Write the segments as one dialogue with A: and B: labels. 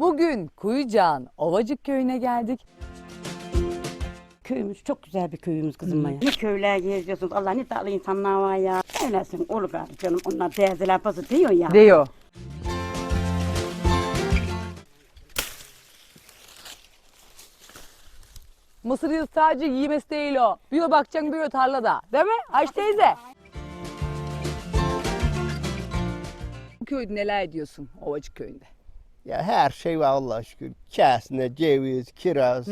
A: Bugün Kuyucağın Ovacık Köyü'ne geldik.
B: Köyümüz çok güzel bir köyümüz kızım Maya. Ne köyler geziyorsunuz. Allah ne tatlı insanlar var ya. Öylesin olur gari canım. Onlar teyzeler pası diyor ya.
A: Diyor. Mısır yıl sadece yiyemesi değil o. Bir bakacaksın bir tarlada. Değil mi Ayşe teyze? Bu köyde neler ediyorsun Ovacık Köyü'nde?
C: Ya her şey var Allah'a şükür. Kesne, ceviz, kiraz.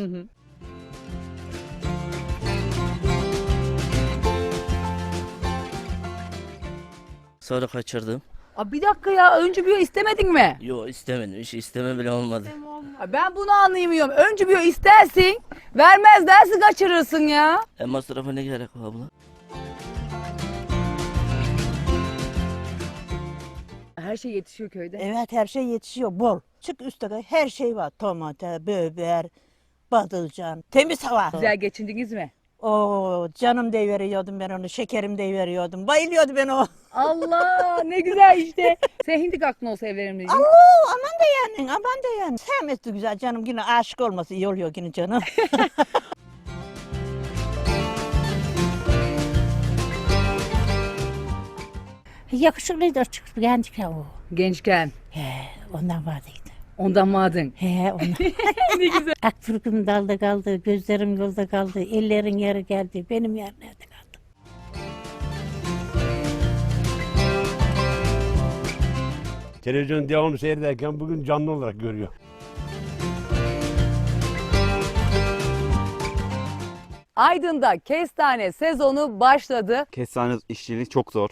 D: Sonra kaçırdım.
A: Aa, bir dakika ya önce bir istemedin mi?
D: Yo istemedim. Hiç isteme bile olmadı.
A: Aa, ben bunu anlayamıyorum. Önce bir istersin, vermez dersi kaçırırsın ya.
D: Masrafa ne gerek var abla?
A: Her şey yetişiyor köyde.
E: Evet her şey yetişiyor bol. Çık üstte her şey var. Tomate, biber, patlıcan, temiz hava.
A: Güzel geçindiniz mi?
E: Oo canım deyiveriyordum ben onu, şekerim deyiveriyordum. Bayılıyordu ben o.
A: Allah ne güzel işte. Sen hindi aklın olsa evlerim diyeceğim.
E: Oo aman da yani, aman da yani. Sevmesi güzel canım, yine aşık olması iyi oluyor yine canım.
B: Yakışıklıydı açık gençken o.
A: Gençken
B: Ondan vardıydı.
A: ondan mı adın?
B: Ondan.
A: Ne güzel.
B: Akfırkım dalda kaldı, gözlerim yolda kaldı, ellerin yeri geldi, benim yer nerede kaldı?
F: Televizyon devamlı seyrederken bugün canlı olarak görüyor.
A: Aydın'da kestane sezonu başladı.
G: Kestane işçiliği çok zor.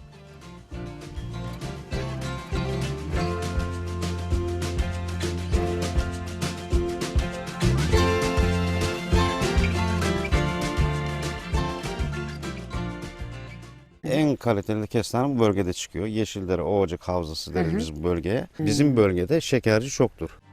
H: En kaliteli kestane bu bölgede çıkıyor. Yeşildere Ovacık Havzası deriz biz bu bölgeye. Bizim bölgede şekerci çoktur.